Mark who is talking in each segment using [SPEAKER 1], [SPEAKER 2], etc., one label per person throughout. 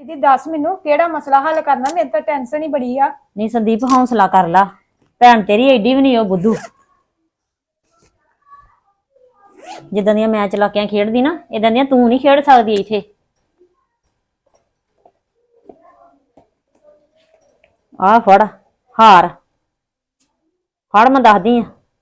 [SPEAKER 1] ਦੀ ਦੱਸ ਮੈਨੂੰ ਕਿਹੜਾ ਮਸਲਾ ਹੱਲ ਕਰਨਾ, ਮੇਰੇ ਤਾਂ ਟੈਨਸ਼ਨ ਹੀ ਬੜੀ ਆ।
[SPEAKER 2] ਨਹੀਂ ਸੰਦੀਪ ਹੌਸਲਾ ਕਰ ਲਾ, ਭੈਣ ਤੇਰੀ ਏਡੀ ਵੀ ਨਹੀਂ ਉਹ ਬੁੱਧੂ। ਜਿੱਦਾਂ ਦੀਆਂ ਮੈਂ ਚਲਾਕੀਆਂ ਖੇਡਦੀ ਨਾ, ਇਦਾਂ ਦੀਆਂ ਤੂੰ ਨਹੀਂ ਖੇਡ ਸਕਦੀ ਇੱਥੇ। ਆ ਫੜ ਹਾਰ, ਫੜ ਮੈਂ ਦੱਸਦੀ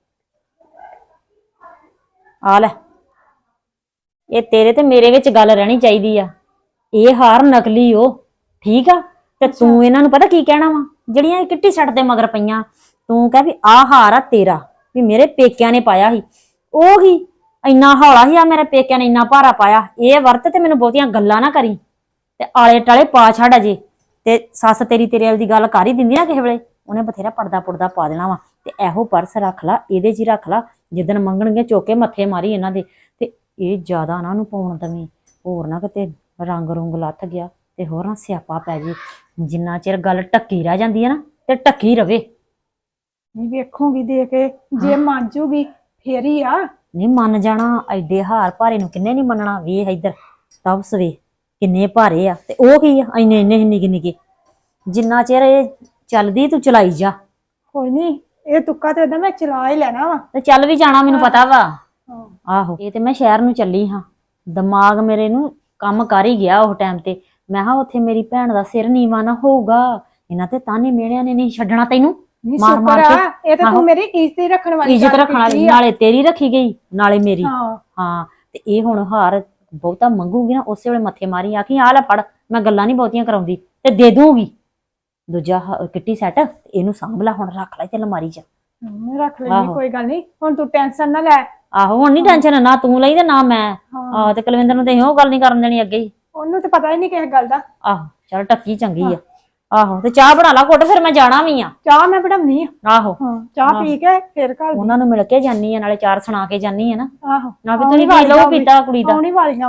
[SPEAKER 2] ਆ ਲੈ, ਇਹ ਤੇਰੇ ਤੇ ਮੇਰੇ ਵਿੱਚ ਗੱਲ ਰਹਿਣੀ ਚਾਹੀਦੀ ਆ। ਇਹ ਹਾਰ ਨਕਲੀ ਓ, ਠੀਕ ਆ। ਤੇ ਤੂੰ ਇਹਨਾਂ ਨੂੰ ਪਤਾ ਕੀ ਕਹਿਣਾ ਵਾ, ਜਿਹੜੀਆਂ ਇਹ ਕਿੱਟੀ ਸੱਟ ਦੇ ਮਗਰ ਪਈਆਂ, ਤੂੰ ਕਹਿ ਵੀ ਆਹ ਹਾਰ ਆ ਤੇਰਾ, ਵੀ ਮੇਰੇ ਪੇਕਿਆਂ ਨੇ ਪਾਇਆ ਸੀ। ਉਹ ਹੀ ਇੰਨਾ ਹੌਲਾ ਸੀ, ਆ ਮੇਰੇ ਪੇਕਿਆਂ ਨੇ ਇੰਨਾ ਭਾਰਾ ਪਾਇਆ। ਇਹ ਵਰਤ ਤੇ ਮੈਨੂੰ ਬਹੁਤੀਆਂ ਗੱਲਾਂ ਨਾ ਕਰੀ ਤੇ ਆਲੇ ਟਾਲੇ ਪਾ ਛੱਡ ਅਜੇ। ਤੇ ਸੱਸ ਤੇਰੀ ਤੇਰੇ ਵਾਲੀ ਦੀ ਗੱਲ ਕਰ ਹੀ ਦਿੰਦੀ ਨਾ ਕਿਸੇ ਵੇਲੇ, ਉਹਨੇ ਬਥੇਰਾ ਪਰਦਾ ਪੁਰਦਾ ਪਾ ਦੇਣਾ ਵਾ। ਤੇ ਇਹੋ ਪਰਸ ਰੱਖ ਲਾ, ਇਹਦੇ 'ਚ ਹੀ ਰੱਖ ਲਾ, ਜਿੱਦਣ ਮੰਗਣਗੇ ਚੁੱਕ ਕੇ ਮੱਥੇ ਮਾਰੀ ਇਹਨਾਂ ਦੇ। ਤੇ ਇਹ ਜ਼ਿਆਦਾ ਨਾ ਉਹਨੂੰ ਪਾਉਣ ਦਵੀਂ, ਹੋਰ ਨਾ ਕਿਤੇ ਰੰਗ ਰੁੰਗ ਲੱਥ ਗਿਆ ਤੇ ਹੋਰ ਨਾ ਸਿਆਪਾ ਪੈ ਜੇ। ਜਿੰਨਾ ਚਿਰ ਗੱਲ ਟੱਕੀ ਰਹਿ ਜਾਂਦੀ ਹੈ ਨਾ, ਤੇ ਟੱਕੀ ਰਵੇ।
[SPEAKER 1] ਨਹੀਂ ਵੇਖੂਗੀ ਦੇ ਕੇ, ਜੇ ਮੰਨ ਜੂਗੀ ਫੇਰ ਹੀ ਆ।
[SPEAKER 2] ਨਹੀਂ ਮੰਨ ਜਾਣਾ, ਐਡੇ ਹਾਰ ਭਾਰੇ ਨੂੰ ਕਿੰਨੇ ਨਹੀਂ ਮੰਨਣਾ। ਵੇਖ ਇੱਧਰ ਤਬਸ ਵੇ ਕਿੰਨੇ ਭਾਰੇ ਆ, ਤੇ ਉਹ ਕੀ ਆ ਇੰਨੇ ਇੰਨੇ ਨਿੱਕੇ ਨਿੱਕੇ। ਜਿੰਨਾ ਚਿਰ ਇਹ ਚੱਲਦੀ ਤੂੰ ਚਲਾਈ ਜਾ।
[SPEAKER 1] ਕੋਈ ਨਹੀਂ, ਇਹ ਤੁੱਕਾ ਤੇ ਏਦਾਂ ਮੈਂ ਚਲਾ ਹੀ ਲੈਣਾ ਵਾ।
[SPEAKER 2] ਤੇ ਚੱਲ ਵੀ ਜਾਣਾ, ਮੈਨੂੰ ਪਤਾ ਵਾ। ਆਹੋ ਇਹ ਤੇ ਮੈਂ ਸ਼ਹਿਰ ਨੂੰ ਚੱਲੀ ਹਾਂ, ਦਿਮਾਗ ਮੇਰੇ ਨੂੰ ਕੰਮ ਕਰ ਹੀ ਗਿਆ ਉਹ ਟਾਈਮ ਤੇ। ਮੈਂ ਕਿਹਾ ਉੱਥੇ ਮੇਰੀ ਭੈਣ ਦਾ ਸਿਰ ਨੀਵਾ ਨਾ ਹੋਊਗਾ, ਇਹਨਾਂ ਤੇ ਤਾਨੇ ਮੇੜਿਆਂ ਨੇ ਨਹੀਂ ਛੱਡਣਾ ਤੈਨੂੰ ਮਾਰ ਮਾਰ ਕੇ।
[SPEAKER 1] ਇਹ ਤਾਂ ਤੂੰ ਮੇਰੀ ਇੱਜ਼ਤ ਹੀ ਰੱਖਣ ਵਾਲੀ,
[SPEAKER 2] ਇੱਜ਼ਤ ਰੱਖਣ ਵਾਲੀ, ਨਾਲੇ ਤੇਰੀ ਰੱਖੀ ਗਈ ਨਾਲੇ ਮੇਰੀ।
[SPEAKER 1] ਹਾਂ
[SPEAKER 2] ਤੇ ਇਹ ਹੁਣ ਹਾਰ ਬਹੁਤਾ ਮੰਗੂਗੀ ਨਾ, ਉਸੇ ਵੇਲੇ ਮੱਥੇ ਮਾਰੀ ਆਖੀ ਆ ਲੈ ਫੜ। ਮੈਂ ਗੱਲਾਂ ਨਹੀਂ ਬਹੁਤੀਆਂ ਕਰਾਉਂਦੀ ਤੇ ਦੇ ਦੂੰਗੀ ਦੂਜਾ ਕਿੱਟੀ ਸੈੱਟ। ਇਹਨੂੰ ਸਾਂਭ ਲੈ ਹੁਣ, ਰੱਖ ਲੈ ਤੇ ਅਲਮਾਰੀ 'ਚ
[SPEAKER 1] ਰੱਖ ਲੈਣੀ, ਕੋਈ ਗੱਲ ਨਹੀਂ। ਹੁਣ ਤੂੰ ਟੈਨਸ਼ਨ ਨਾ ਲੈ।
[SPEAKER 2] ਆਹੋ ਹੁਣ ਨੀ ਟੈਨਸ਼ਨ, ਨਾ ਤੂੰ ਲਈ ਤੇ ਨਾ ਮੈਂ। ਆਹ ਤੇ ਕੁਲਵਿੰਦਰ ਨੂੰ ਤੇ ਉਹ ਗੱਲ ਨਹੀਂ ਕਰਨ ਦੇਣੀ ਅੱਗੇ ਹੀ।
[SPEAKER 1] ਉਹਨੂੰ ਤੇ ਪਤਾ ਹੀ ਨਹੀਂ ਕਿਸੇ ਗੱਲ ਦਾ।
[SPEAKER 2] ਆਹੋ ਚੱਲ ਟੱਕੀ ਚੰਗੀ ਆ। ਆਹੋ ਤੇ ਚਾਹ ਬਣਾ ਲਾ ਘੁੱਟ, ਫਿਰ ਮੈਂ ਜਾਣਾ ਵੀ ਆ।
[SPEAKER 1] ਚਾਹ ਮੈਂ ਬਣਾਉਣੀ ਆ।
[SPEAKER 2] ਆਹੋ
[SPEAKER 1] ਚਾਹ ਪੀ ਕੇ ਫਿਰ ਘਰ
[SPEAKER 2] ਉਹਨਾਂ ਨੂੰ ਮਿਲ ਕੇ ਜਾਨੀ ਆ, ਨਾਲੇ ਚਾਰ ਸੁਣਾ ਕੇ ਜਾਨੀ ਆ ਨਾ।
[SPEAKER 1] ਆਹੋ
[SPEAKER 2] ਨਾ ਵੀ ਤੁਸੀਂ ਪੀ ਲਓ ਪੀਤਾ ਕੁੜੀ ਦਾ।
[SPEAKER 1] ਆਉਣੀ ਵਾਲੀਆਂ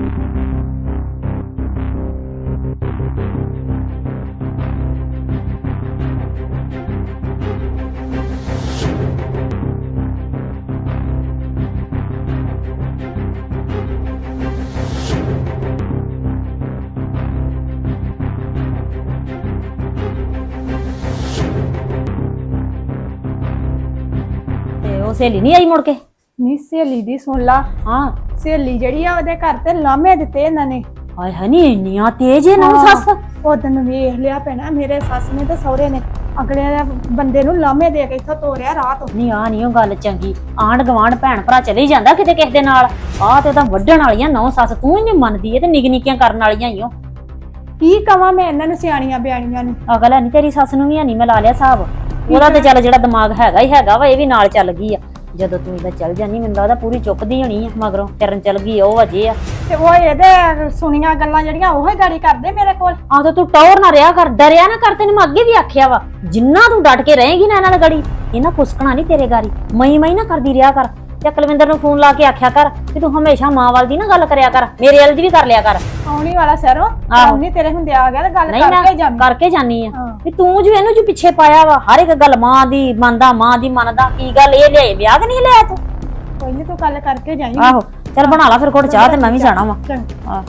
[SPEAKER 2] ਉਹ ਸਹੇਲੀ ਨਹੀਂ ਆਈ ਮੁੜ ਕੇ?
[SPEAKER 1] ਨਹੀਂ, ਸਹੇਲੀ ਦੀ ਸੁਣ ਲਾ।
[SPEAKER 2] ਹਾਂ
[SPEAKER 1] ਸਹੇਲੀ ਜਿਹੜੀ ਆ ਉਹਦੇ ਘਰ ਤੇ ਲਾਮੇ ਦਿੱਤੇ ਇਹਨਾਂ ਨੇ।
[SPEAKER 2] ਹਾਏ ਹਨੀ ਇੰਨੀਆਂ ਤੇਜ਼ ਇਹਨਾਂ ਨੂੰ ਸੱਸ।
[SPEAKER 1] ਉਦਣ ਵੇਖ ਲਿਆ ਪੈਣਾ ਮੇਰੇ ਸੱਸ ਨੇ ਤੇ ਸਹੁਰੇ ਨੇ ਅਗਲੇ ਬੰਦੇ ਨੂੰ ਲਾਮੇ ਦੇ ਕੇ ਇੱਥੋਂ ਤੋਰਿਆ ਰਾਹ ਤੋਂ।
[SPEAKER 2] ਨਹੀਂ ਆ ਨਹੀਂ ਉਹ ਗੱਲ ਚੰਗੀ। ਆਂਢ ਗਵਾਂਢ ਭੈਣ ਭਰਾ ਚਲੇ ਜਾਂਦਾ ਕਿਤੇ ਕਿਸੇ ਦੇ ਨਾਲ। ਆਹ ਤੇ ਤਾਂ ਵੱਢਣ ਵਾਲੀਆਂ ਨੌ ਸੱਸ, ਤੂੰ ਹੀ ਨਹੀਂ ਮੰਨਦੀ। ਇਹ ਤੇ ਨਿੱਕ ਨਿੱਕੀਆਂ ਕਰਨ ਵਾਲੀਆਂ ਹੀ ਓ।
[SPEAKER 1] ਕੀ ਕਵਾਂ ਮੈਂ ਇਹਨਾਂ ਨੂੰ, ਸਿਆਣੀਆਂ ਬਿਆਣੀਆਂ ਨੂੰ।
[SPEAKER 2] ਅਗਲ ਨਹੀਂ ਤੇਰੀ ਸੱਸ ਨੂੰ ਵੀ ਨਹੀਂ, ਮੈਂ ਲਾ ਲਿਆ ਹਿਸਾਬ। ਉਹਦਾ ਤੇ ਚੱਲ ਜਿਹੜਾ ਦਿਮਾਗ ਹੈਗਾ ਹੀ ਹੈਗਾ ਵਾ, ਇਹ ਵੀ ਨਾਲ ਚੱਲ ਗਈ ਆ। ਜਦੋਂ ਤੂੰ ਇਹਦਾ ਚੱਲ ਜਾਨੀ, ਮੈਨੂੰ ਲੱਗਦਾ ਪੂਰੀ ਚੁੱਕਦੀ ਹੋਣੀ ਆ ਮਗਰੋਂ। ਫਿਰਨ ਚੱਲ ਗਈ ਉਹ ਅਜੇ ਆ।
[SPEAKER 1] ਤੇ ਉਹ ਇਹਦੇ ਸੁਣੀਆਂ ਗੱਲਾਂ ਜਿਹੜੀਆਂ ਉਹ ਹੀ ਗਾੜੀ ਕਰਦੇ ਮੇਰੇ ਕੋਲ।
[SPEAKER 2] ਆਹ ਤੇ ਤੂੰ ਟੌਰ ਨਾ ਰਿਹਾ ਕਰ, ਡਰਿਆ ਨਾ ਕਰ। ਤੈਨੂੰ ਮੈਂ ਅੱਗੇ ਵੀ ਆਖਿਆ ਵਾ, ਜਿੰਨਾ ਤੂੰ ਡਟ ਕੇ ਰਹੇਗੀ ਨਾ ਇਹਨਾਂ ਨਾਲ ਗੜੀ, ਇਹਨਾਂ ਕੁਸਕਣਾ ਨਹੀਂ ਤੇਰੇ ਗਾੜੀ। ਮਈ ਨਾ ਕਰਦੀ ਰਿਹਾ ਕਰ। ਤੇ ਕੁਲਵਿੰਦਰ ਨੂੰ ਫੋਨ ਲਾ ਕੇ ਆਖਿਆ ਕਰ ਕਿ ਤੂੰ ਹਮੇਸ਼ਾ ਮਾਂ ਵੱਲ ਦੀ ਨਾ ਗੱਲ ਕਰਿਆ ਕਰ, ਮੇਰੇ ਵੱਲ ਦੀ ਵੀ ਕਰ ਲਿਆ ਕਰ।
[SPEAKER 1] ਆਉਣੀ ਵਾਲਾ ਸਰੋਂ ਆਉਣੀ ਤੇਰੇ ਹੁੰਦੇ ਆ ਗਿਆ ਤੇ ਗੱਲ
[SPEAKER 2] ਕਰਕੇ ਜਾਨੀ ਆ ਵੀ ਤੂੰ ਜੋ ਇਹਨੂੰ ਜੋ ਪਿੱਛੇ ਪਾਇਆ ਵਾ। ਹਰ ਇੱਕ ਗੱਲ ਮਾਂ ਦੀ ਮੰਨਦਾ, ਮਾਂ ਦੀ ਮੰਨਦਾ। ਕੀ ਗੱਲ ਇਹ ਲਿਆਏ ਵਿਆਹ ਕਿ ਨਹੀਂ ਲਿਆ ਤੂੰ?
[SPEAKER 1] ਕੋਈ ਨਹੀਂ, ਤੂੰ ਗੱਲ ਕਰਕੇ ਜਾਈਂ।
[SPEAKER 2] ਆਹੋ ਚੱਲ ਬਣਾ ਲਾ ਫਿਰ ਘੁੱਟ ਚਾਹ, ਤੇ ਮੈਂ ਵੀ ਜਾਣਾ ਵਾ। ਆਹ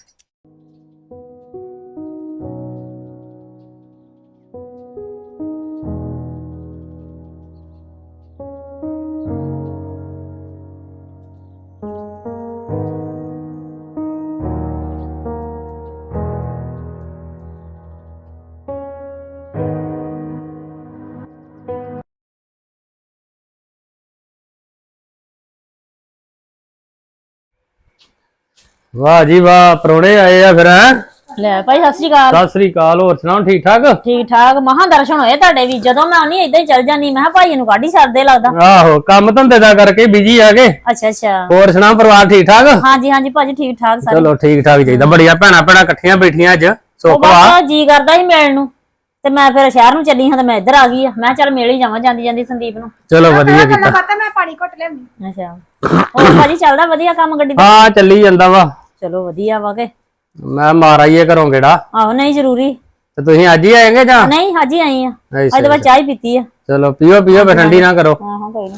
[SPEAKER 3] ਵਾਹ ਜੀ ਵਾਹ, ਪ੍ਰਾਹੁਣੇ ਆਏ ਆ ਫਿਰ।
[SPEAKER 2] ਲੈ ਭਾਈ ਸਤਿ ਸ੍ਰੀ ਅਕਾਲ।
[SPEAKER 3] ਸਤਿ ਸ੍ਰੀ ਅਕਾਲ। ਹੋਰ ਸੁਣਾਓ, ਠੀਕ ਠਾਕ?
[SPEAKER 2] ਠੀਕ ਠਾਕ। ਮਹਾਂ ਦਰਸ਼ਨ ਹੋਏ ਤੁਹਾਡੇ ਵੀ। ਜਦੋਂ ਮੈਂ ਆਉਣੀ ਏਦਾਂ ਹੀ ਚੱਲ ਜਾਨੀ। ਮੈਂ ਕਿਹਾ ਭਾਈ ਨੂੰ ਕਾਢੀ ਛੱਡਦੇ ਲੱਗਦਾ।
[SPEAKER 3] ਆਹੋ ਕੰਮ ਧੰਦੇ ਦਾ ਕਰਕੇ ਬਿਜੀ ਆ ਗਏ।
[SPEAKER 2] ਅੱਛਾ ਅੱਛਾ।
[SPEAKER 3] ਹੋਰ ਸੁਣਾਓ, ਪਰਿਵਾਰ ਠੀਕ ਠਾਕ?
[SPEAKER 2] ਹਾਂਜੀ ਹਾਂਜੀ ਭਾਜੀ ਠੀਕ ਠਾਕ ਸਾਰੇ।
[SPEAKER 3] ਚਲੋ ਠੀਕ ਠਾਕ ਚਾਹੀਦਾ। ਬੜੀਆਂ ਭੈਣਾਂ ਭੈਣਾਂ ਇਕੱਠੀਆਂ ਬੈਠੀਆਂ ਅੱਜ, ਸੁੱਖ ਵਾ।
[SPEAKER 2] ਬਸ ਜੀ ਕਰਦਾ ਸੀ ਮਿਲਣ ਨੂੰ, ਤੇ ਮੈਂ ਫਿਰ ਸ਼ਹਿਰ ਨੂੰ ਚੱਲੀ ਹਾਂ ਤੇ ਮੈਂ ਇੱਧਰ ਆ ਗਈ ਆ। ਮੈਂ ਚੱਲ ਮਿਲ ਹੀ ਜਾਵਾਂ ਜਾਂਦੀ ਜਾਂਦੀ ਸੰਦੀਪ ਨੂੰ।
[SPEAKER 3] ਚਲੋ ਵਧੀਆ ਕੀਤਾ।
[SPEAKER 1] ਮੈਂ ਪਾਣੀ ਘੁੱਟ ਲਿਆਉਂਦੀ।
[SPEAKER 2] ਅੱਛਾ ਹੋਰ ਭਾਜੀ ਚੱਲਦਾ ਵਧੀਆ ਕੰਮ ਗੱਡੀ ਦਾ?
[SPEAKER 3] ਹਾਂ ਚੱਲੀ ਜਾਂਦਾ ਵਾ।
[SPEAKER 2] ਚਲੋ ਵਧੀਆ ਵਾ ਕੇ।
[SPEAKER 3] ਮੈਂ ਮਾਰ ਆਈਏ ਘਰੋਂ ਕਿਹੜਾ।
[SPEAKER 2] ਆਹੋ ਨਹੀਂ ਜ਼ਰੂਰੀ।
[SPEAKER 3] ਤੇ ਤੁਸੀਂ ਅੱਜ ਹੀ ਆਏਗੇ ਜਾਂ?
[SPEAKER 2] ਨਹੀਂ ਅੱਜ ਹੀ ਆਈ ਆ। ਅੱਜ ਤਾਂ ਬਸ ਚਾਹ ਹੀ ਪੀਤੀ ਆ।
[SPEAKER 3] ਚਲੋ ਪੀਓ ਪੀਓ, ਠੰਡੀ ਨਾ ਕਰੋ।
[SPEAKER 2] ਹਾਂ ਹਾਂ ਕੋਈ ਨਹੀਂ।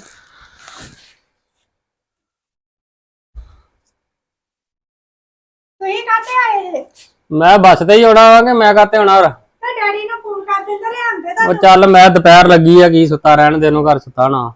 [SPEAKER 1] ਤੁਸੀਂ ਕਾਹਤੇ ਆਏ?
[SPEAKER 3] ਮੈਂ ਬੱਸ ਤੇ ਹੀ ਆਉਣਾ ਵਾ ਕਿ ਮੈਂ ਕਾਤੇ ਆਉਣਾ ਹੋਰ?
[SPEAKER 1] ਤੇ ਡੈਡੀ ਨੂੰ ਫੋਨ ਕਰ ਦਿੰਦਾ ਲਿਆਂਦੇ ਤਾਂ
[SPEAKER 3] ਉਹ ਚੱਲ ਮੈਂ ਦੁਪਹਿਰ ਲੱਗੀ ਆ ਕੀ ਸੁੱਤਾ ਰਹਿਣ ਦੇ ਨੂੰ ਘਰ ਸੁੱਤਾ ਨਾ।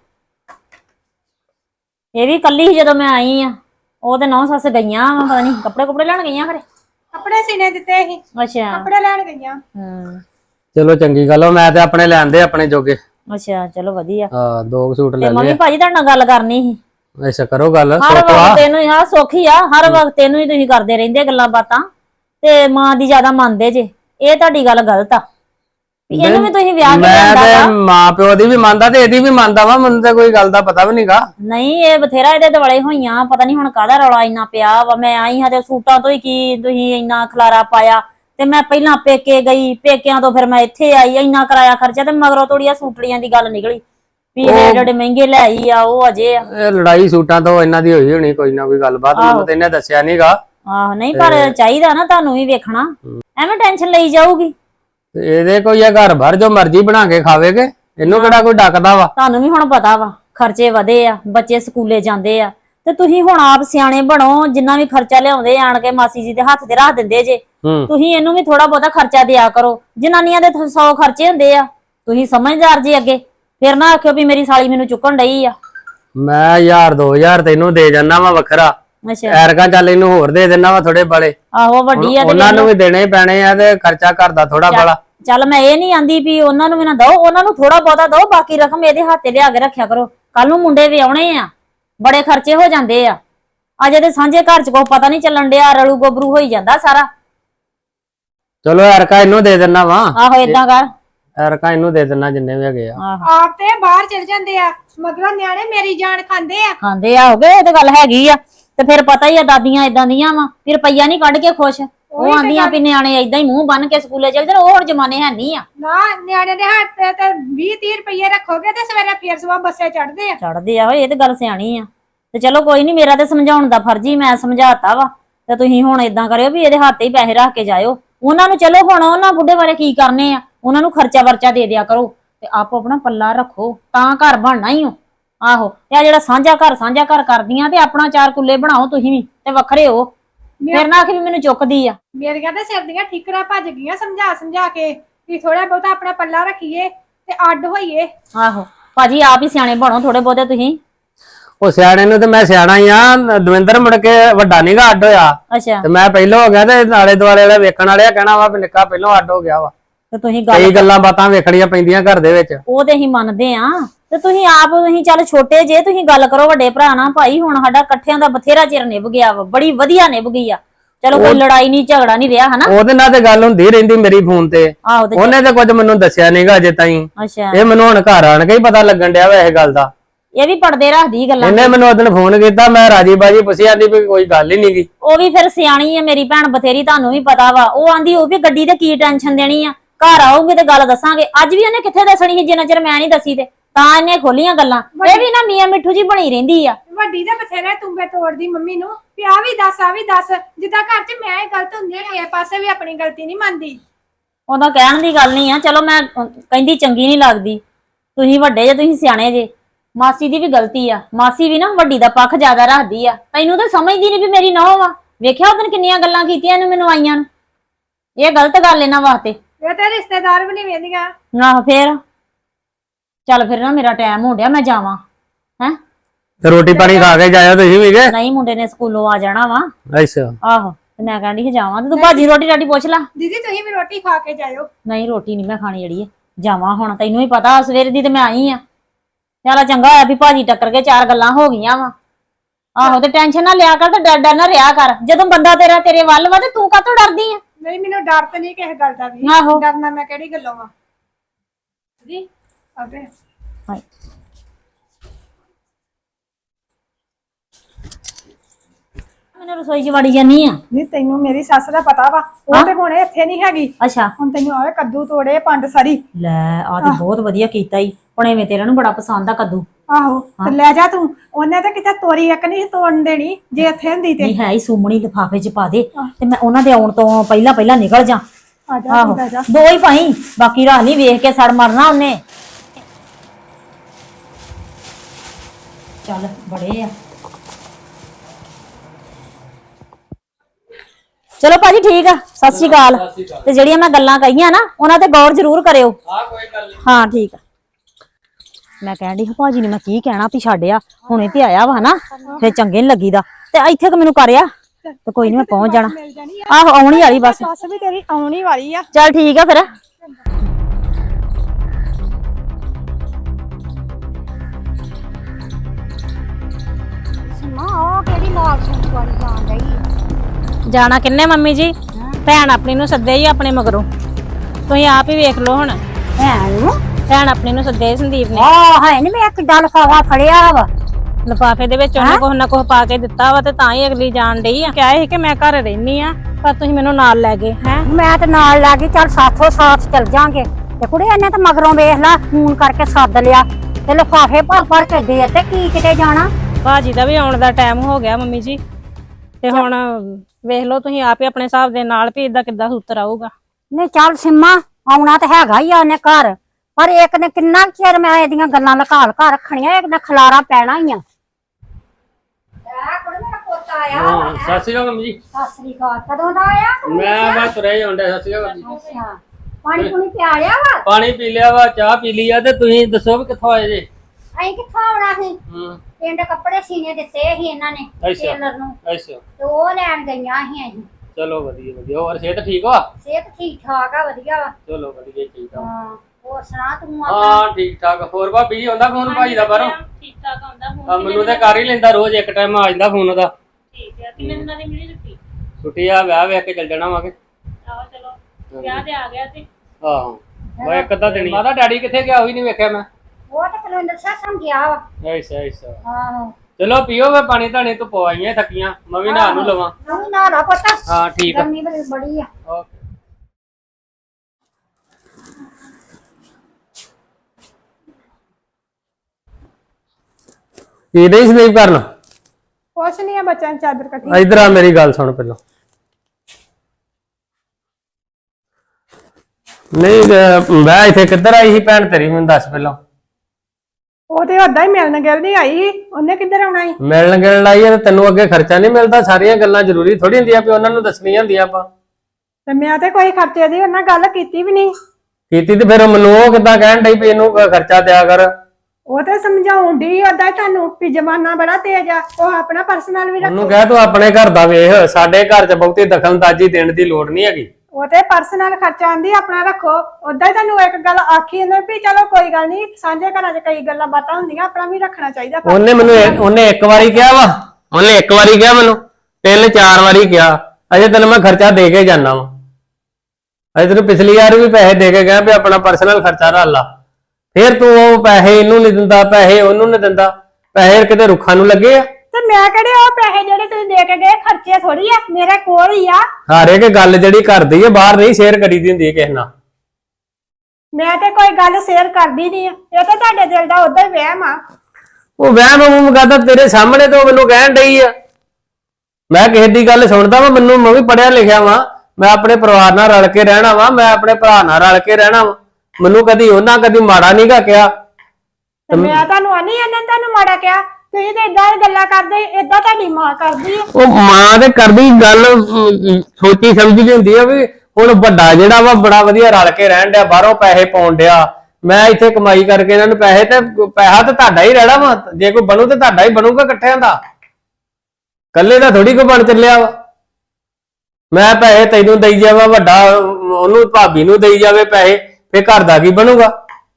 [SPEAKER 2] ਇਹ ਵੀ ਕੱਲੀ ਸੀ ਜਦੋਂ ਮੈਂ ਆਈ ਆ। ਉਹ ਤੇ ਨੌ ਸੱਸ ਗਈਆਂ ਵਾਂ, ਪਤਾ ਨਹੀਂ ਕੱਪੜੇ ਕੁਪੜੇ ਲੈਣ ਗਈਆਂ ਖਰੇ।
[SPEAKER 1] ਕੱਪੜੇ ਸੀਨੇ ਦਿੱਤੇ ਸੀ,
[SPEAKER 2] ਅੱਛਾ।
[SPEAKER 1] ਕੱਪੜੇ ਲੈਣ ਗਈਆਂ।
[SPEAKER 3] ਚਲੋ ਚੰਗੀ ਗੱਲ ਆ, ਮੈਂ ਤੇ ਆਪਣੇ ਲੈਂਦੇ ਆਪਣੇ ਜੋਗੇ।
[SPEAKER 2] ਅੱਛਾ ਚਲੋ ਵਧੀਆ।
[SPEAKER 3] ਹਾਂ 2 ਸੂਟ
[SPEAKER 2] ਤੇ
[SPEAKER 3] ਲੈ
[SPEAKER 2] ਮੰਮੀ
[SPEAKER 3] ਲਏ।
[SPEAKER 2] ਭਾਜੀ ਤੁਹਾਡੇ ਨਾਲ ਗੱਲ ਕਰਨੀ ਸੀ।
[SPEAKER 3] ਅੱਛਾ ਕਰੋ ਗੱਲ।
[SPEAKER 2] ਹਰ
[SPEAKER 3] ਸੁੱਖ ਵਾ।
[SPEAKER 2] ਵਕਤ ਇਹਨੂੰ ਆ ਸੌਖੀ ਆ, ਹਰ ਵਕਤ ਇਹਨੂੰ ਹੀ ਤੁਸੀਂ ਕਰਦੇ ਰਹਿੰਦੇ ਗੱਲਾਂ ਬਾਤਾਂ ਤੇ ਮਾਂ ਦੀ ਜ਼ਿਆਦਾ ਮੰਨਦੇ ਜੇ। ਇਹ ਤੁਹਾਡੀ ਗੱਲ ਗਲਤ ਆ। ਵੀ ਇਹਨੂੰ ਵੀ ਤੁਸੀਂ ਵਿਆਹ ਕੇ
[SPEAKER 3] ਮੈਂ
[SPEAKER 2] ਲਿਆਂਦਾ
[SPEAKER 3] ਤੇ
[SPEAKER 2] ਵਾ।
[SPEAKER 3] ਮਾਂ ਪਿਓ ਦੀ ਵੀ ਮੰਨਦਾ ਤੇ ਇਹਦੀ ਵੀ ਮੰਨਦਾ ਵਾ, ਮੈਨੂੰ ਤੇ ਕੋਈ ਗੱਲ ਦਾ ਪਤਾ ਵੀ ਨਹੀਂਗਾ।
[SPEAKER 2] ਨਹੀਂ ਇਹ ਬਥੇਰਾ ਇਹਦੇ ਦੁਆਲੇ ਹੋਈਆਂ, ਪਤਾ ਨਹੀਂ ਹੁਣ ਕਾਹਦਾ ਰੌਲਾ ਇੰਨਾ ਪਿਆ ਵਾ। ਮੈਂ ਆਈ ਹਾਂ ਤੇ ਸੂਟਾਂ ਤੋਂ ਹੀ ਕੀ ਤੁਸੀਂ ਇੰਨਾ ਖਲਾਰਾ ਪਾਇਆ ਤੇ ਮੈਂ ਪਹਿਲਾਂ ਪੇਕੇ ਗਈ, ਪੇਕਿਆਂ ਤੋਂ ਫਿਰ ਮੈਂ ਇੱਥੇ ਆਈ, ਇੰਨਾ ਕਿਰਾਇਆ ਖਰਚਾ ਤੇ ਮਗਰੋਂ ਥੋੜੀਆਂ ਸੂਟੜੀਆਂ ਦੀ ਗੱਲ ਨਿਕਲੀ ਵੀ ਇਹ ਜਿਹੜੇ ਮਹਿੰਗੇ ਲੈ ਆਈ ਆ ਉਹ ਅਜੇ ਆ।
[SPEAKER 3] ਇਹ ਲੜਾਈ ਸੂਟਾਂ ਤੋਂ ਇਹਨਾਂ ਦੀ ਹੋਈ ਹੋਣੀ ਕੋਈ ਨਾ ਕੋਈ ਗੱਲਬਾਤ, ਮੈਨੂੰ ਤੇ ਇਹਨੇ ਦੱਸਿਆ ਨਹੀਂਗਾ।
[SPEAKER 2] ਆਹੋ ਨਹੀਂ ਪਰ ਚਾਹੀਦਾ ਨਾ ਤੁਹਾਨੂੰ ਵੀ ਵੇਖਣਾ, ਐਵੇਂ ਟੈਨਸ਼ਨ ਲਈ ਜਾਊਗੀ।
[SPEAKER 3] ਇਹਦੇ ਕੋਈ ਆ ਘਰ ਭਰ ਜੋ ਮਰਜ਼ੀ ਬਣਾ ਕੇ ਖਾਵੇਗੇ, ਇਹਨੂੰ ਕਿਹੜਾ ਕੋਈ ਡੱਕਦਾ ਵਾ।
[SPEAKER 2] ਤੁਹਾਨੂੰ ਵੀ ਹੁਣ ਪਤਾ ਵਾ ਖਰਚੇ ਵਧੇ ਆ, ਬੱਚੇ ਸਕੂਲੇ ਜਾਂਦੇ ਆ ਤੇ ਤੁਸੀਂ ਹੁਣ ਆਪ ਸਿਆਣੇ ਬਣੋ। ਜਿੰਨਾ ਵੀ ਖਰਚਾ ਲਿਆਉਂਦੇ ਆਣ ਕੇ ਮਾਸੀ ਜੀ ਦੇ ਹੱਥ ਤੇ ਰੱਖ ਦਿੰਦੇ ਜੇ, ਤੁਸੀਂ ਇਹਨੂੰ ਵੀ ਥੋੜਾ ਬਹੁਤਾ ਖਰਚਾ ਦਿਆ ਕਰੋ। ਜਨਾਨੀਆਂ ਦੇ 100 ਖਰਚੇ ਹੁੰਦੇ ਆ, ਤੁਸੀਂ ਸਮਝਦਾਰ ਜੀ ਅੱਗੇ। ਫਿਰ ਨਾ ਆਖਿਓ ਵੀ ਮੇਰੀ ਸਾਲੀ ਮੈਨੂੰ ਚੁੱਕਣ ਡਈ ਆ।
[SPEAKER 3] ਮੈਂ 1000-2000 ਤੈਨੂੰ ਦੇ ਜਾਨਾ ਵਾ ਵੱਖਰਾ,
[SPEAKER 2] ਅੱਛਾ
[SPEAKER 3] ਐਰਕਾ ਚੱਲ ਇਹਨੂੰ ਹੋਰ ਦੇ ਦੇਣਾ ਵਾ ਥੋੜੇ ਬੜੇ।
[SPEAKER 2] ਆਹੋ ਵੱਡੀ ਆ ਤੇ
[SPEAKER 3] ਉਹਨਾਂ ਨੂੰ ਵੀ ਦੇਣੇ ਹੀ ਪੈਣੇ ਆ ਤੇ ਖਰਚਾ ਕਰਦਾ ਥੋੜਾ ਬੜਾ।
[SPEAKER 2] ਚੱਲ ਮੈਂ ਇਹ ਨਹੀਂ ਆਂਦੀ ਵੀ ਉਹਨਾਂ ਨੂੰ ਵੀ ਨਾ ਦੋ, ਉਹਨਾਂ ਨੂੰ ਥੋੜਾ ਬਹੁਤਾ ਦੋ, ਬਾਕੀ ਰਕਮ ਇਹਦੇ ਹੱਥ ਤੇ ਲਿਆ ਕੇ ਰੱਖਿਆ ਕਰੋ। ਕੱਲ ਨੂੰ ਮੁੰਡੇ ਵਿਆਹੁਣੇ ਆ, ਬੜੇ ਖਰਚੇ ਹੋ ਜਾਂਦੇ ਆ। ਅਜੇ ਤੇ ਸਾਂਝੇ ਘਰ ਚ ਕੋਈ ਪਤਾ ਨਹੀਂ ਚੱਲਣ ਡਿਆ, ਰਲੂ ਗੋਬਰੂ ਹੋਈ ਜਾਂਦਾ ਸਾਰਾ।
[SPEAKER 3] ਚਲੋ ਐਰਕਾ ਇਹਨੂੰ ਦੇ ਦੇਣਾ ਵਾ,
[SPEAKER 2] ਆਹੋ ਏਦਾਂ ਕਰ।
[SPEAKER 3] ਐਰਕਾ ਇਹਨੂੰ ਦੇ ਦੇਣਾ ਜਿੰਨੇ ਵੀ ਹੈਗੇ ਆ।
[SPEAKER 2] ਆਹੋ
[SPEAKER 1] ਆਪ ਤੇ ਬਾਹਰ ਚਲ ਜਾਂਦੇ ਆ, ਮਗਰੋਂ ਨਿਆਣੇ ਮੇਰੀ ਜਾਨ ਖਾਂਦੇ ਆ।
[SPEAKER 2] ਖਾਂਦੇ ਆ ਹੋਗੇ, ਇਹ ਤੇ ਗੱਲ ਹੈਗੀ ਆ। ਤੇ ਫਿਰ ਪਤਾ ਹੀ ਆ ਦਾਦੀਆਂ ਇਦਾਂ ਦੀਆਂ ਵਾ, ਫਿਰ ਰੁਪਈਆ ਨਹੀਂ ਕੱਢ ਕੇ ਖੁਸ਼। ਉਹ ਆਂਦੀਆਂ ਵੀ ਨਿਆਣੇ ਏਦਾਂ ਹੀ ਮੂੰਹ ਬੰਨ ਕੇ ਸਕੂਲੇ ਚਲ ਜਾਣ, ਉਹ ਹੁਣ ਜਮਾਨੇ ਹੈ ਨਹੀਂ ਆ।
[SPEAKER 1] ਨਾ ਨਿਆਣੇ ਦੇ ਹੱਥ ਤੇ 20-30 ਰੁਪਏ ਰੱਖੋਗੇ ਤੇ ਸਵੇਰੇ ਫੇਰ ਸਵਾ ਬੱਸੇ ਚੜਦੇ ਆ।
[SPEAKER 2] ਚੜਦੇ ਆ, ਇਹ ਤੇ ਗੱਲ ਸਿਆਣੀ ਆ। ਤੇ ਚਲੋ ਕੋਈ ਨਹੀਂ, ਮੇਰਾ ਤੇ ਸਮਝਾਉਣ ਦਾ ਫਰਜ਼ ਹੀ, ਮੈਂ ਸਮਝਾਤਾ ਵਾ। ਤੇ ਤੁਸੀਂ ਹੁਣ ਏਦਾਂ ਕਰਿਓ ਵੀ ਇਹਦੇ ਹੱਥ ਹੀ ਪੈਸੇ ਰੱਖ ਕੇ ਜਾਇਓ। ਉਹਨਾਂ ਨੂੰ ਚਲੋ ਹੁਣ ਉਹਨਾਂ ਬੁੱਢੇ ਬਾਰੇ ਕੀ ਕਰਨੇ ਆ, ਉਹਨਾਂ ਨੂੰ ਖਰਚਾ ਵਰਚਾ ਦੇ ਦਿਆ ਕਰੋ ਤੇ ਆਪੋ ਆਪਣਾ ਪੱਲਾ ਰੱਖੋ, ਤਾਂ ਘਰ ਬਣਨਾ ਹੀ ਹੋ। ਆਹੋ ਤੇ ਆ ਜਿਹੜਾ ਸਾਂਝਾ ਘਰ ਕਰਦੀਆਂ ਤੇ ਆਪਣਾ 4 ਕੁੱਲੇ ਬਣਾਓ ਤੁਸੀਂ ਵੀ ਤੇ ਵੱਖਰੇ ਹੋ। ਫਿਰ ਨਾ ਆਖੀ ਵੀ ਮੈਨੂੰ ਚੁੱਕਦੀ ਆ।
[SPEAKER 1] ਮੇਰੀਆਂ ਤੇ ਸਿਰ ਦੀਆਂ ਠੀਕਰਾਂ ਭੱਜ ਗਈਆਂ ਸਮਝਾ ਕੇ ਵੀ ਥੋੜਾ ਬਹੁਤਾ ਆਪਣਾ ਪੱਲਾ ਰੱਖੀਏ ਤੇ ਅੱਡ ਹੋਈਏ।
[SPEAKER 2] ਆਹੋ ਭਾਜੀ ਆਪ ਹੀ ਸਿਆਣੇ ਬਣੋ ਥੋੜੇ ਬਹੁਤੇ ਤੁਸੀਂ।
[SPEAKER 3] ਉਹ ਸਿਆਣੇ ਨੂੰ ਤੇ ਮੈਂ ਸਿਆਣਾ ਹੀ ਆ, ਦਵਿੰਦਰ ਮੁੜ ਕੇ ਵੱਡਾ ਨੀਗਾ ਅੱਡ ਹੋਇਆ
[SPEAKER 2] ਅੱਛਾ
[SPEAKER 3] ਤੇ ਮੈਂ ਪਹਿਲਾਂ ਹੋ ਗਿਆ ਤੇ ਨਾਲੇ ਦੁਆਲੇ ਵਾਲੇ ਵੇਖਣ ਵਾਲੇ ਕਹਿਣਾ ਵਾ ਵੀ ਨਿੱਕਾ ਪਹਿਲਾਂ ਅੱਡ ਹੋ ਗਿਆ ਵਾ।
[SPEAKER 2] ਤੇ ਤੁਸੀਂ
[SPEAKER 3] ਕਈ ਗੱਲਾਂ ਬਾਤਾਂ ਵੇਖਣੀਆਂ ਪੈਂਦੀਆਂ ਘਰ ਦੇ ਵਿੱਚ।
[SPEAKER 2] ਉਹ ਤੇ ਅਸੀਂ ਮੰਨਦੇ ਆ ਤੇ ਤੁਸੀਂ ਆਪ ਤੁਸੀਂ ਚੱਲ ਛੋਟੇ ਜੇ, ਤੁਸੀਂ ਗੱਲ ਕਰੋ ਵੱਡੇ ਭਰਾ ਨਾਲ, ਭਾਈ ਹੁਣ ਸਾਡਾ ਇਕੱਠਿਆਂ ਦਾ ਬਥੇਰਾ ਚਿਰ ਨਿਭ ਗਿਆ ਵਾ, ਬੜੀ ਵਧੀਆ ਨਿਭ ਗਈ ਆ। ਚਲੋ ਕੋਈ ਲੜਾਈ ਨਹੀਂ ਝਗੜਾ ਨਹੀਂ ਰਿਹਾ ਹਨਾ।
[SPEAKER 3] ਉਹਦੇ ਨਾਲ ਤੇ ਗੱਲ ਹੁੰਦੀ ਰਹਿੰਦੀ ਮੇਰੀ ਫੋਨ ਤੇ,
[SPEAKER 2] ਆਹੋ ਤੇ
[SPEAKER 3] ਉਹਨੇ ਤੇ ਕੁਝ ਮੈਨੂੰ ਦੱਸਿਆ ਨਹੀਂਗਾ ਅਜੇ ਤਾਈਂ।
[SPEAKER 2] ਅੱਛਾ
[SPEAKER 3] ਇਹ ਮੈਨੂੰ ਹੁਣ ਘਰ ਆਣ ਕੇ ਹੀ ਪਤਾ ਲੱਗਣ ਡਿਆ ਵਾ ਇਹ ਗੱਲ ਦਾ।
[SPEAKER 2] ਇਹ ਵੀ ਪੜਦੇ ਰੱਖਦੀ ਗੱਲਾਂ।
[SPEAKER 3] ਇਹਨੇ ਮੈਨੂੰ ਉਦੋਂ ਫੋਨ ਕੀਤਾ, ਮੈਂ ਰਾਜੀ ਬਾਜੀ ਪੁੱਛਿਆ ਦੀ ਵੀ ਕੋਈ ਗੱਲ ਹੀ ਨਹੀਂਗੀ।
[SPEAKER 2] ਉਹ ਵੀ ਫਿਰ ਸਿਆਣੀ ਆ ਮੇਰੀ ਭੈਣ ਬਥੇਰੀ, ਤੁਹਾਨੂੰ ਵੀ ਪਤਾ ਵਾ। ਉਹ ਆਂਦੀ ਉਹ ਵੀ ਗੱਡੀ ਤੇ ਕੀ ਟੈਨਸ਼ਨ ਦੇਣੀ ਆ, ਘਰ ਆਉਗੇ ਤੇ ਗੱਲ ਦੱਸਾਂਗੇ। ਅੱਜ ਵੀ ਉਹਨੇ ਕਿੱਥੇ ਦੱਸਣੀ ਸੀ ਜਿੰਨਾ ਚਿਰ ਮੈਂ ਨਹੀਂ ਦੱਸੀ ਤੇ ਤਾਂ ਇਹਨੇ ਖੋਲੀਆਂ ਗੱਲਾਂ। ਇਹ ਵੀ ਨਾ ਮੀਆਂ ਮਿੱਠੂ ਜੀ ਬਣੀ ਰਹਿੰਦੀ ਆ।
[SPEAKER 1] ਵੱਡੀ ਦੇ ਬਥੇਰੇ ਤੁੰਬੇ ਤੋੜਦੀ ਮੰਮੀ ਨੂੰ ਵੀ ਆ ਵੀ ਦੱਸ ਜਿੱਦਾਂ ਘਰ 'ਚ ਮੈਂ ਗਲਤ ਹੁੰਦੀ ਆ, ਇਹ ਪਾਸੇ ਵੀ ਆਪਣੀ ਗਲਤੀ ਨਹੀਂ ਮੰਨਦੀ।
[SPEAKER 2] ਉਹਦਾ ਕਹਿਣ ਦੀ ਗੱਲ ਨਹੀਂ ਆ। ਚਲੋ ਮੈਂ ਕਹਿੰਦੀ ਚੰਗੀ ਨਹੀਂ ਲੱਗਦੀ, ਤੁਸੀਂ ਵੱਡੇ ਜੇ, ਤੁਸੀਂ ਸਿਆਣੇ ਜੇ। ਮਾਸੀ ਦੀ ਵੀ ਗਲਤੀ ਆ, ਮਾਸੀ ਵੀ ਨਾ ਵੱਡੀ ਦਾ ਪੱਖ ਜ਼ਿਆਦਾ ਰੱਖਦੀ ਆ। ਤੈਨੂੰ ਤਾਂ ਸਮਝਦੀ ਨਹੀਂ ਵੀ ਮੇਰੀ ਨੌਂ ਵਾ। ਵੇਖਿਆ ਉਹਦਨ ਕਿੰਨੀਆਂ ਗੱਲਾਂ ਕੀਤੀਆਂ ਇਹਨੂੰ ਮੈਨੂੰ ਆਈਆਂ ਨੂੰ। ਇਹ ਗਲਤ ਗੱਲ ਇਹਨਾਂ ਵਾਸਤੇ।
[SPEAKER 1] ਇਹ ਤੇ ਰਿਸ਼ਤੇਦਾਰ ਵੀ ਨਹੀਂ ਵੇਂਦੀਆਂ।
[SPEAKER 2] ਆਹੋ ਫੇਰ ਚੱਲ ਫਿਰ ਨਾ ਮੇਰਾ ਟਾਈਮ ਹੋ ਗਿਆ, ਮੈਂ ਜਾਵਾਂ ਹੈ।
[SPEAKER 3] ਤੇ ਰੋਟੀ ਪਾਣੀ ਖਾ ਕੇ ਜਾਇਆ ਤੁਸੀਂ ਵੀ ਕਿ?
[SPEAKER 2] ਨਹੀਂ ਮੁੰਡੇ ਨੇ ਸਕੂਲੋਂ ਆ ਜਾਣਾ ਵਾ।
[SPEAKER 3] ਅੱਛਾ
[SPEAKER 2] ਆਹੋ ਤੇ ਮੈਂ ਕਹਿੰਦੀ ਸੀ ਜਾਵਾਂ ਤੇ ਤੂੰ ਭਾਜੀ ਰੋਟੀ ਰਾਟੀ ਪੁੱਛ ਲੈ।
[SPEAKER 1] ਦੀਦੀ ਤੁਸੀਂ ਵੀ ਰੋਟੀ ਖਾ ਕੇ ਜਾਇਓ।
[SPEAKER 2] ਨਹੀਂ ਰੋਟੀ ਨਹੀਂ ਮੈਂ ਖਾਣੀ ਜਿਹੜੀ ਜਾਵਾਂ ਹੁਣ, ਤੈਨੂੰ ਹੀ ਪਤਾ ਸਵੇਰ ਦੀ ਤੇ ਮੈਂ ਆਈ ਆ। ਚੱਲ ਚੰਗਾ ਹੋਇਆ ਵੀ ਭਾਜੀ ਟੱਕਰ ਕੇ 4 ਗੱਲਾਂ ਹੋ ਗਈਆਂ ਵਾ। ਆਹੋ ਤੇ ਟੈਨਸ਼ਨ ਨਾ ਲਿਆ ਕਰ ਤੇ ਡਰ ਨਾ ਰਿਹਾ ਕਰ। ਜਦੋਂ ਬੰਦਾ ਤੇਰੇ ਵੱਲ ਵਾ ਤੇ ਤੂੰ ਕਾਹਤੋਂ ਡਰਦੀ ਆ?
[SPEAKER 1] ਨਹੀਂ ਮੈਨੂੰ ਡਰ ਤੇ ਨਹੀਂ ਕਿਸੇ ਗੱਲ ਦਾ ਵੀ।
[SPEAKER 2] ਆਹੋ
[SPEAKER 1] ਡਰਨਾ ਮੈਂ ਕਿਹੜੀ ਗੱਲੋਂ ਆ ਜੀ ਆਵੇ।
[SPEAKER 2] ਹਾਏ ਮੈਨੂੰ ਰਸੋਈ 'ਚ ਵੜੀ ਜਾਨੀ ਆ।
[SPEAKER 1] ਨਹੀਂ ਤੈਨੂੰ ਮੇਰੀ ਸੱਸ ਦਾ ਪਤਾ ਵਾ, ਉਹ ਤੇ ਹੁਣ ਇੱਥੇ ਨਹੀਂ ਹੈਗੀ।
[SPEAKER 2] ਅੱਛਾ
[SPEAKER 1] ਹੁਣ ਤੈਨੂੰ ਆਵੇ ਕੱਦੂ ਤੋੜੇ ਪੰਡ ਸਾਰੀ।
[SPEAKER 2] ਲੈ ਆ ਤੇ ਬਹੁਤ ਵਧੀਆ ਕੀਤਾ ਈ। ਭਣੇਵੇਂ ਤੇਰਾ ਨੂੰ ਬੜਾ ਪਸੰਦ ਆ ਕੱਦੂ।
[SPEAKER 1] ਆਹੋ ਤੇ ਲੈ ਜਾ ਤੂੰ। ਉਹਨੇ ਤਾਂ ਕਿਤੇ ਤੋਰੀ ਇੱਕ ਨਹੀਂ ਤੋੜਨ ਦੇਣੀ ਜੇ ਇੱਥੇ ਹੁੰਦੀ ਤੇ।
[SPEAKER 2] ਨਹੀਂ ਹੈ ਹੀ ਸੁਮਣੀ ਲਿਫਾਫੇ 'ਚ ਪਾ ਦੇ ਤੇ ਮੈਂ ਉਹਨਾਂ ਦੇ ਆਉਣ ਤੋਂ ਪਹਿਲਾਂ ਨਿਕਲ ਜਾ।
[SPEAKER 1] ਆ ਜਾ ਤੂੰ ਲੈ ਜਾ।
[SPEAKER 2] 2 ਹੀ ਪਾਈ, ਬਾਕੀ ਰਾਹ ਨਹੀਂ ਵੇਖ ਕੇ ਸੜ ਮਰਨਾ ਉਹਨੇ। ਚੱਲ ਬੜੇ ਆ। ਚਲੋ ਭਾਜੀ ਠੀਕ ਆ, ਸਤਿ ਸ਼੍ਰੀ ਅਕਾਲ। ਤੇ ਜਿਹੜੀਆਂ ਮੈਂ ਗੱਲਾਂ ਕਹੀਆਂ ਨਾ ਉਹਨਾਂ ਤੇ ਗੌਰ ਜ਼ਰੂਰ ਕਰਿਓ।
[SPEAKER 3] ਹਾਂ ਕੋਈ ਗੱਲ ਨਹੀਂ।
[SPEAKER 2] ਹਾਂ ਠੀਕ ਆ। ਮੈਂ ਕਹਿਣ ਡਈ ਭਾਜੀ ਨੇ ਮੈਂ ਕੀ ਕਹਿਣਾ ਵੀ ਛੱਡਿਆ ਹੁਣੇ ਤੇ ਆਇਆ ਵਾ ਨਾ, ਫੇਰ ਚੰਗੇ ਨੀ ਲੱਗੀਦਾ ਤੇ ਇੱਥੇ ਕਿ ਮੈਨੂੰ ਕਰਿਆ ਤੇ ਕੋਈ ਨੀ ਮੈਂ ਪਹੁੰਚ ਜਾਣਾ। ਆਹੋ ਆਉਣੀ ਵਾਲੀ ਬਸ
[SPEAKER 1] ਵੀ ਤੇਰੀ ਆਉਣੀ ਵਾਲੀ ਆ।
[SPEAKER 2] ਚੱਲ ਠੀਕ ਆ ਫਿਰ।
[SPEAKER 4] ਉਹ ਕਿਹੜੀ ਲਾਲ ਸੂਟ ਵਾਲੀ ਜਾਣ ਰਹੀ
[SPEAKER 2] ਜਾਣਾ ਕਿੰਨੇ ਮੰਮੀ ਜੀ? ਭੈਣ ਆਪਣੀ ਨੂੰ ਸੱਦਿਆ ਹੀ ਆਪਣੇ ਮਗਰੋਂ, ਤੁਸੀਂ ਆਪ ਹੀ ਵੇਖ ਲਓ ਹੁਣ।
[SPEAKER 4] ਭੈਣ ਨੂੰ
[SPEAKER 2] ਭੈਣ ਆਪਣੀ ਨੂੰ ਸੱਦਿਆ ਸੰਦੀਪ ਨੇ।
[SPEAKER 4] ਹੈ ਨੀ ਮੈਂ ਇੱਕ ਡਲ ਲਫਾਫਾ ਫੜਿਆ ਵਾ।
[SPEAKER 2] ਲਿਫਾਫੇ ਦੇ ਵਿੱਚ ਉਹਨੇ ਕੁਛ ਨਾ ਕੁਛ ਪਾ ਕੇ ਦਿੱਤਾ ਵਾ ਤੇ ਤਾਂ ਹੀ ਅਗਲੀ ਜਾਣ ਡਈ ਆ। ਕਿਹਾ ਸੀ ਕਿ ਮੈਂ ਘਰ ਰਹਿਨੀ ਆ ਪਰ ਤੁਸੀਂ ਮੈਨੂੰ ਨਾਲ ਲੈ ਗਏ ਹੈ।
[SPEAKER 4] ਮੈਂ ਤੇ ਨਾਲ ਲੱਗ ਗਈ, ਚੱਲ ਸਾਥੋਂ ਸਾਥ ਚੱਲ ਜਾਾਂਗੇ। ਤੇ ਕੁੜੇ ਇਹਨੇ ਤਾਂ ਮਗਰੋਂ ਵੇਖ ਲਾ ਫੋਨ ਕਰਕੇ ਸੱਦ ਲਿਆ ਤੇ ਲਿਫਾਫੇ ਭਰ ਕੇ ਦੇ ਤੇ ਕੀ ਕਿਤੇ ਜਾਣਾ।
[SPEAKER 2] ਭਾਜੀ ਦਾ ਵੀ ਆਉਣ ਦਾ ਟਾਈਮ ਹੋ ਗਿਆ ਮੰਮੀ ਜੀ, ਤੇ ਹੁਣ ਵੇਖ ਲਓ ਤੁਸੀਂ ਆਪ ਹੀ ਆਪਣੇ ਹਿਸਾਬ ਦੇ ਨਾਲ ਵੀ ਇਦਾਂ ਕਿੱਦਾਂ ਸੂਤਰ ਆਊਗਾ।
[SPEAKER 4] ਨਹੀਂ ਚੱਲ ਸਿੰਮਾ ਆਉਣਾ ਤਾਂ ਹੈਗਾ ਹੀ ਆ ਉਹਨੇ ਘਰ, ਪਰ ਇੱਕ ਨੇ ਕਿੰਨਾ ਕੁ ਚਿਰ ਮੈਂ ਇਹਦੀਆਂ ਗੱਲਾਂ ਲਕਾਲ ਘਰ ਰੱਖਣੀਆਂ, ਇੱਕ ਨੇ ਖਲਾਰਾ ਪੈਣਾ ਹੀ ਆ। ਮੇਰਾ ਪੋਤਾ ਆਇਆ।
[SPEAKER 3] ਹਾਂ ਸਤਿ ਸ਼੍ਰੀ ਅਕਾਲ ਮੰਮੀ ਜੀ।
[SPEAKER 4] ਸਤਿ ਸ੍ਰੀ ਅਕਾਲ। ਕਦੋਂ ਦਾ ਆਇਆ?
[SPEAKER 3] ਮੈਂ ਬਸ ਤੁਰਿਆ ਹੀ ਹੁੰਦਾ। ਸਤਿ ਸ਼੍ਰੀ ਅਕਾਲ ਜੀ।
[SPEAKER 4] ਅੱਛਾ, ਪਾਣੀ ਪੂਣੀ ਪਿਆ ਲਿਆ ਵਾ?
[SPEAKER 3] ਪਾਣੀ ਪੀ ਲਿਆ ਵਾ, ਚਾਹ ਪੀ ਲਈ ਆ। ਤੇ ਤੁਸੀਂ ਦੱਸੋ ਵੀ ਕਿੱਥੋਂ ਆਏ ਜੇ?
[SPEAKER 4] ਅਸੀਂ ਕਿੱਥੋਂ ਆਉਣਾ ਸੀ?
[SPEAKER 3] ਹੂੰ
[SPEAKER 4] ਪਿੰਡ ਕੱਪੜੇ ਸੀਨੇ ਦਿੱਤੇ ਸੀ ਇਹਨਾਂ ਨੇ
[SPEAKER 3] ਅੱਛਾ
[SPEAKER 4] ਟੇਲਰ ਨੂੰ,
[SPEAKER 3] ਅੱਛਾ
[SPEAKER 4] ਤੇ ਉਹ ਲੈਣ ਗਈਆਂ ਸੀ ਅਸੀਂ।
[SPEAKER 3] ਚਲੋ ਵਧੀਆ ਵਧੀਆ। ਹੋਰ ਸਿਹਤ ਠੀਕ ਵਾ?
[SPEAKER 4] ਸਿਹਤ ਠੀਕ ਠਾਕ ਆ, ਵਧੀਆ ਵਾ।
[SPEAKER 3] ਚਲੋ ਵਧੀਆ ਠੀਕ ਆ।
[SPEAKER 4] ਹਾਂ ਹੋਰ ਸੁਣਾ ਤੂੰ?
[SPEAKER 3] ਹਾਂ ਠੀਕ ਠਾਕ। ਹੋਰ ਭਾਬੀ ਜੀ ਆਉਂਦਾ ਫੋਨ ਭਾਈ ਦਾ ਬਾਹਰੋਂ?
[SPEAKER 2] ਠੀਕ ਠਾਕ ਆਉਂਦਾ ਫੋਨ।
[SPEAKER 3] ਮੈਨੂੰ ਤਾਂ ਕਰ ਹੀ ਲੈਂਦਾ ਰੋਜ਼ ਇੱਕ ਟਾਈਮ ਆ ਜਾਂਦਾ ਫੋਨ ਉਹਦਾ।
[SPEAKER 2] ਠੀਕ ਹੈ। ਕਿੰਨੇ ਦਿਨਾਂ ਦੀ ਮਿਲੀ ਛੁੱਟੀ?
[SPEAKER 3] ਛੁੱਟੀ ਆ ਵਿਆਹ ਵੇਖ ਕੇ ਚੱਲ ਜਾਣਾ ਵਾਂਗੇ।
[SPEAKER 2] ਆਹੋ ਚਲੋ ਵਿਆਹ ਤੇ ਆ ਗਿਆ ਤੇ
[SPEAKER 3] ਆਹੋ ਮੈਂ ਇੱਕ ਅੱਧਾ ਦਿਨ ਮਾਦਾ ਡੈਡੀ ਕਿੱਥੇ ਗਿਆ ਉਹੀ ਨਹੀਂ ਵੇਖਿਆ ਮੈਂ।
[SPEAKER 4] ਉਹ ਤਾਂ ਕਲੰਦਰ ਸਾਹਿਬ ਗਿਆ ਵਾ।
[SPEAKER 3] ਅੱਛਾ ਅੱਛਾ।
[SPEAKER 4] ਆਹੋ
[SPEAKER 3] ਚਲੋ ਪੀਓ ਵੇ ਪਾਣੀ ਧਾਣੀ ਤੋਂ ਪਵਾਈਆਂ ਥੱਕੀਆਂ, ਮੈਂ ਵੀ ਨਹਾ ਨੂੰ ਲਵਾਂ।
[SPEAKER 4] ਤੂੰ ਨਾ ਲਾ ਪੁੱਤ,
[SPEAKER 3] ਹਾਂ ਠੀਕ ਆ।
[SPEAKER 4] ਗਰਮੀ ਬੜੀ ਆ।
[SPEAKER 3] ਓਕੇ। ਕੀ ਨਹੀਂ ਸਲੀਪ ਕਰਨਾ?
[SPEAKER 1] ਕੁਛ ਨਹੀਂ ਆ, ਬੱਚਿਆਂ ਦੀ ਚਾਦਰ ਕੱਟੀ।
[SPEAKER 3] ਇਧਰ ਆ ਮੇਰੀ ਗੱਲ ਸੁਣ ਪਹਿਲਾਂ। ਨਹੀਂ ਮੈਂ ਇੱਥੇ ਕਿੱਧਰ ਆਈ ਸੀ ਭੈਣ ਤੇਰੀ, ਮੈਨੂੰ ਦੱਸ ਪਹਿਲਾਂ।
[SPEAKER 1] ਉਹ ਤੇ ਓਦਾਂ ਹੀ ਮਿਲਣ ਗਿਲਦੀ ਆਈ ਸੀ, ਉਹਨੇ ਕਿੱਧਰ ਆਉਣਾ ਸੀ?
[SPEAKER 3] ਮਿਲਣ ਗਿਲਣ ਆਈ ਆ ਤੇ ਤੈਨੂੰ ਅੱਗੇ ਖਰਚਾ ਨਹੀਂ ਮਿਲਦਾ? ਸਾਰੀਆਂ ਗੱਲਾਂ ਜ਼ਰੂਰੀ ਥੋੜੀ ਹੁੰਦੀਆਂ ਵੀ ਉਹਨਾਂ ਨੂੰ ਦੱਸਣੀਆਂ ਹੁੰਦੀਆਂ ਆਪਾਂ।
[SPEAKER 1] ਤੇ ਮੈਂ ਤੇ ਕੋਈ ਖਰਚੇ ਦੀ ਉਹਨਾਂ ਗੱਲ ਕੀਤੀ ਵੀ ਨਹੀਂ।
[SPEAKER 3] ਕੀਤੀ ਤੇ ਫਿਰ ਮੈਨੂੰ ਉਹ ਕਿੱਦਾਂ ਕਹਿਣ ਡਈ ਵੀ ਇਹਨੂੰ ਖਰਚਾ ਦਿਆ ਕਰ?
[SPEAKER 1] ਉਹ ਤੇ ਸਮਝਾਉਣ ਦੀ ਓਦਾਂ ਹੀ ਤੁਹਾਨੂੰ ਵੀ ਜ਼ਮਾਨਾ ਬੜਾ ਤੇਜ਼ ਆ, ਉਹ ਆਪਣਾ ਪਰਸਨਲ ਵੀ
[SPEAKER 3] ਉਹਨੂੰ
[SPEAKER 1] ਰੱਖੋ।
[SPEAKER 3] ਕਹਿ ਤੂੰ ਆਪਣੇ ਘਰ ਦਾ ਵੇਖ, ਸਾਡੇ ਘਰ 'ਚ ਬਹੁਤੀ ਦਖਲਅੰਦਾਜ਼ੀ ਦੇਣ ਦੀ ਲੋੜ ਨਹੀਂ ਹੈਗੀ।
[SPEAKER 1] ਉਹ ਤੇ ਪਰਸਨਲ ਖਰਚਾ ਆਂਦੀ ਆਪਣਾ ਰੱਖੋ। ਓਦਾਂ ਹੀ ਤੁਹਾਨੂੰ ਇੱਕ ਗੱਲ ਆਖੀ ਇਹਨੇ ਵੀ ਚਲੋ ਕੋਈ ਗੱਲ ਨਹੀਂ, ਸਾਂਝੇ ਘਰਾਂ 'ਚ ਕਈ ਗੱਲਾਂ ਬਾਤਾਂ ਹੁੰਦੀਆਂ, ਆਪਣਾ ਵੀ ਰੱਖਣਾ ਚਾਹੀਦਾ।
[SPEAKER 3] ਉਹਨੇ ਇੱਕ ਵਾਰੀ ਕਿਹਾ ਵਾ, ਉਹਨੇ ਇੱਕ ਵਾਰੀ ਕਿਹਾ ਮੈਨੂੰ, 3-4 ਵਾਰੀ ਕਿਹਾ। ਅਜੇ ਤੈਨੂੰ ਮੈਂ ਖਰਚਾ ਦੇ ਕੇ ਜਾਣਾ ਵਾ। ਅਜੇ ਤੈਨੂੰ ਪਿਛਲੀ ਵਾਰ ਵੀ ਪੈਸੇ ਦੇ ਕੇ ਗਿਆ ਵੀ ਆਪਣਾ ਪਰਸਨਲ ਖਰਚਾ ਰੱਖ ਲਾ। ਫਿਰ ਤੂੰ ਉਹ ਪੈਸੇ ਇਹਨੂੰ ਨਹੀਂ ਦਿੰਦਾ, ਪੈਸੇ ਉਹਨੂੰ ਨਹੀਂ ਦਿੰਦਾ। ਪੈਸੇ ਕਿਤੇ ਰੁੱਖਾਂ ਨੂੰ ਲੱਗੇ ਆ?
[SPEAKER 1] ਤੇ ਮੈਂ ਕਿਹੜੇ ਉਹ ਪੈਸੇ ਜਿਹੜੇ ਤੁਸੀਂ ਦੇ ਕੇ ਗਏ ਖਰਚੇ ਥੋੜੀ ਆ, ਮੇਰੇ ਕੋਲ ਹੀ ਆ।
[SPEAKER 3] ਹਾਰੇ ਕਿ ਗੱਲ ਜਿਹੜੀ ਕਰਦੀ ਹੈ ਬਾਹਰ ਨਹੀਂ ਸ਼ੇਅਰ ਕਰੀਦੀ ਹੁੰਦੀ ਕਿਸੇ ਨਾਲ।
[SPEAKER 1] ਮੈਂ ਤੇ ਕੋਈ ਗੱਲ ਸ਼ੇਅਰ ਕਰਦੀ ਨਹੀਂ ਆ, ਇਹ ਤਾਂ ਤੁਹਾਡੇ ਦਿਲ ਦਾ ਉਦਾਂ ਹੀ ਵਹਿਮ ਆ।
[SPEAKER 3] ਉਹ ਵਹਿਮ ਮੂਮ ਕਰਦਾ ਤੇਰੇ ਸਾਹਮਣੇ ਤੋਂ ਮੈਨੂੰ ਕਹਿਣ ਡਈ ਆ। ਮੈਂ ਕਿਸੇ ਦੀ ਗੱਲ ਸੁਣਦਾ ਵਾ, ਮੈਂ ਵੀ ਪੜਿਆ ਲਿਖਿਆ ਵਾ। ਮੈਂ ਆਪਣੇ ਪਰਿਵਾਰ ਨਾਲ ਰਲ ਕੇ ਰਹਿਣਾ ਵਾ, ਮੈਂ ਆਪਣੇ ਭਰਾ ਨਾਲ ਰਲ ਕੇ ਰਹਿਣਾ ਵਾ। ਮੈਨੂੰ ਕਦੀ ਉਹਨਾਂ ਕਦੀ ਮਾੜਾ ਨਹੀਂ ਗਾ ਕਿਹਾ।
[SPEAKER 1] ਤੇ ਮੈਂ ਤੁਹਾਨੂੰ ਆਨੀ ਇਹਨਾਂ ਤੁਹਾਨੂੰ ਮਾੜਾ ਕਿਹਾ? ਤੁਸੀਂ ਤੇ ਇਦਾਂ ਗੱਲਾਂ ਕਰਦੇ, ਇਦਾਂ ਤੁਹਾਡੀ ਮਾਂ ਕਰਦੀ ਆ।
[SPEAKER 3] ਉਹ ਮਾਂ ਤੇ ਕਰਦੀ ਗੱਲ ਸੋਚੀ ਸਮਝੀ ਹੁੰਦੀ ਆ ਵੀ ਹੁਣ ਵੱਡਾ ਜਿਹੜਾ ਵਾ ਬੜਾ ਵਧੀਆ ਰਲ ਕੇ ਰਹਿਣ ਡਿਆ, ਬਾਹਰੋਂ ਪੈਸੇ ਪਾਉਣ ਡਿਆ। ਮੈਂ ਇੱਥੇ ਕਮਾਈ ਕਰਕੇ ਇਹਨਾਂ ਨੂੰ ਪੈਸੇ, ਤੇ ਪੈਸਾ ਤਾਂ ਤੁਹਾਡਾ ਹੀ ਰਹਿਣਾ ਵਾ। ਜੇ ਕੋਈ ਬਣੂ ਤੇ ਤੁਹਾਡਾ ਹੀ ਬਣੂਗਾ ਇਕੱਠਿਆਂ ਦਾ, ਕੱਲੇ ਦਾ ਥੋੜੀ ਕੋਈ ਬਣ ਚੱਲਿਆ ਵਾ। ਮੈਂ ਪੈਸੇ ਤੈਨੂੰ ਦੇਈ ਜਾਵਾਂ, ਵੱਡਾ ਉਹਨੂੰ ਭਾਬੀ ਨੂੰ ਦੇਈ ਜਾਵੇ ਪੈਸੇ, ਫੇਰ ਘਰ ਦਾ ਕੀ ਬਣੂਗਾ?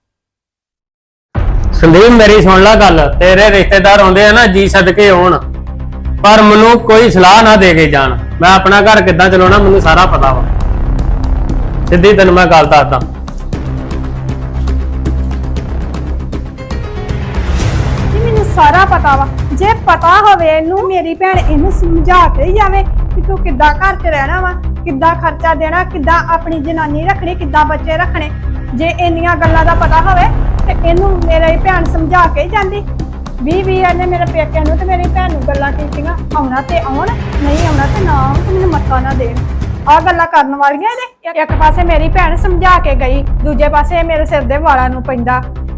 [SPEAKER 3] ਸੰਦੀਪ ਮੇਰੀ ਸੁਣ ਲੈ ਗੱਲ, ਤੇਰੇ ਰਿਸ਼ਤੇਦਾਰ ਆਉਂਦੇ ਆ ਨਾ ਜੀ ਸਦਕੇ ਆਉਣ, ਪਰ ਮੈਨੂੰ ਕੋਈ ਸਲਾਹ ਨਾ ਦੇ ਕੇ ਜਾਣ। ਮੈਂ ਆਪਣਾ ਘਰ ਕਿੱਦਾਂ ਚਲਾਉਣਾ ਮੈਨੂੰ ਸਾਰਾ ਪਤਾ ਵਾ। ਸਿੱਧੀ ਤੈਨੂੰ ਮੈਂ ਗੱਲ ਦੱਸਦਾ।
[SPEAKER 1] ਮੈਨੂੰ ਸਾਰਾ ਪਤਾ ਵਾ। ਜੇ ਪਤਾ ਹੋਵੇ ਇਹਨੂੰ, ਮੇਰੀ ਭੈਣ ਇਹਨੂੰ ਸਮਝਾ ਕੇ ਹੀ ਜਾਵੇ ਕਿ ਤੂੰ ਕਿੱਦਾਂ ਘਰ 'ਚ ਰਹਿਣਾ ਵਾ, ਕਿੱਦਾਂ ਖਰਚਾ ਦੇਣਾ, ਕਿੱਦਾਂ ਆਪਣੀ ਜਨਾਨੀ ਰੱਖਣੀ, ਕਿੱਦਾਂ ਬੱਚੇ ਰੱਖਣੇ। ਜੇ ਇੰਨੀਆਂ ਗੱਲਾਂ ਦਾ ਪਤਾ ਹੋਵੇ ਤੇ ਇਹਨੂੰ ਮੇਰੀ ਭੈਣ ਸਮਝਾ ਕੇ ਹੀ ਜਾਂਦੀ। 20 ਇਹਨੇ ਮੇਰੇ ਪੇਕਿਆਂ ਨੂੰ ਤੇ ਮੇਰੀ ਭੈਣ ਨੂੰ ਗੱਲਾਂ ਕੀਤੀਆਂ, ਆਉਣਾ ਤੇ ਆਉਣ, ਨਹੀਂ ਆਉਣਾ ਤੇ ਨਾ ਆਉਣ, ਤੇ ਮੈਨੂੰ ਮੱਥਾ ਨਾ ਦੇਣ। ਆਹ ਗੱਲਾਂ ਕਰਨ ਵਾਲੀਆਂ ਇਹਦੇ। ਇੱਕ ਪਾਸੇ ਮੇਰੀ ਭੈਣ ਸਮਝਾ ਕੇ ਗਈ, ਦੂਜੇ ਪਾਸੇ ਮੇਰੇ ਸਿਰ ਦੇ ਵਾਲਾਂ ਨੂੰ ਪੈਂਦਾ